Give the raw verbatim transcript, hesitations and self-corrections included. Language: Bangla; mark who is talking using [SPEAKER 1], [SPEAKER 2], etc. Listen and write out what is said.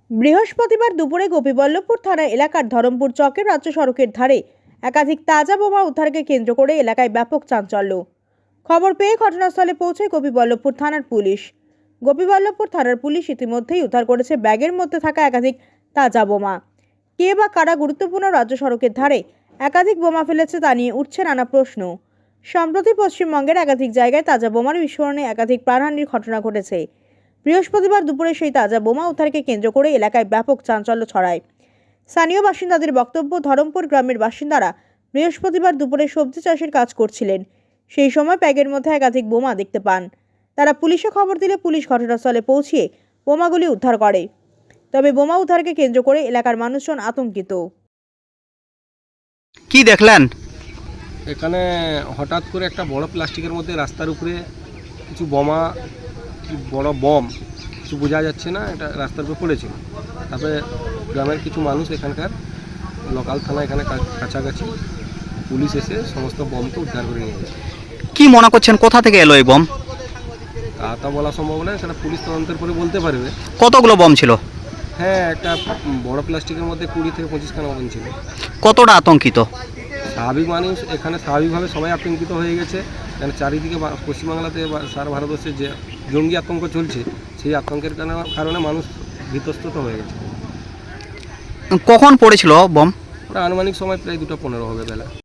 [SPEAKER 1] বৃহস্পতিবার দুপুরে গোপীবল্লভপুর থানা এলাকার ধরমপুর চকের রাজ্য সড়কের ধারে একাধিক তাজা বোমা উদ্ধারকে কেন্দ্র করে এলাকায় ব্যাপক চাঞ্চল্য। খবর পেয়ে ঘটনাস্থলে পৌঁছায় গোপীবল্লভপুর থানার পুলিশ। গোপীবল্লভপুর থানার পুলিশ ইতিমধ্যেই উদ্ধার করেছে ব্যাগের মধ্যে থাকা একাধিক তাজা বোমা। কে বা কারা গুরুত্বপূর্ণ রাজ্য সড়কের ধারে একাধিক বোমা ফেলেছে তা নিয়ে উঠছে নানা প্রশ্ন। সম্প্রতি পশ্চিমবঙ্গের একাধিক জায়গায় তাজা বোমার বিস্ফোরণে একাধিক প্রাণহানির ঘটনা ঘটেছে। বৃহস্পতিবার দুপুরে সেই তাজা বোমা উদ্ধারকে কেন্দ্র করে এলাকায় ব্যাপক চাঞ্চল্য ছড়ায়। স্থানীয় বাসিন্দাদের বক্তব্য, ধরমপুর গ্রামের বাসিন্দারা বৃহস্পতিবার দুপুরে সবজি চাষের কাজ করছিলেন। সেই সময় ব্যাগের মধ্যে একাধিক বোমা দেখতে পান। তারা পুলিশে খবর দিলে পুলিশ ঘটনাস্থলে পৌঁছিয়ে বোমাগুলি উদ্ধার করে। তবে বোমা উদ্ধারকে কেন্দ্র করে এলাকার মানুষজন আতঙ্কিত।
[SPEAKER 2] কি দেখলেন?
[SPEAKER 3] এখানে হঠাৎ করে একটা বড় প্লাস্টিকের মধ্যে রাস্তার উপরে কিছু বোমা, কি বড় বম কিছু বোঝা যাচ্ছে না, এটা রাস্তার উপরে পড়েছিল। তারপরে গ্রামের কিছু মানুষ, এখানকার লোকাল থানা এখানে কাছাকাছি, পুলিশ এসে সমস্ত বমকে উদ্ধার করে নিয়ে গেছে।
[SPEAKER 2] কি মনে করছেন কোথা থেকে এলো এই বম?
[SPEAKER 3] তা তা বলা সম্ভব নয়, সেটা পুলিশ তদন্তের পরে বলতে পারবে।
[SPEAKER 2] কতগুলো বম ছিল?
[SPEAKER 3] হ্যাঁ, একটা বড় প্লাস্টিকের মধ্যে কুড়ি থেকে পঁচিশ খানা বম ছিল।
[SPEAKER 2] কতটা আতঙ্কিত?
[SPEAKER 3] স্বাভাবিক মানুষ এখানে স্বাভাবিকভাবে সবাই আতঙ্কিত হয়ে গেছে, কারণ চারিদিকে পশ্চিমবাংলাতে বা সারা ভারতবর্ষে যে জঙ্গি আতঙ্ক চলছে, সেই আতঙ্কের কারণে মানুষ ভীতস্ত হয়ে গেছে।
[SPEAKER 2] কখন পড়েছিল বম?
[SPEAKER 3] ওটা আনুমানিক সময় প্রায় দুটো পনেরো হবে বেলা।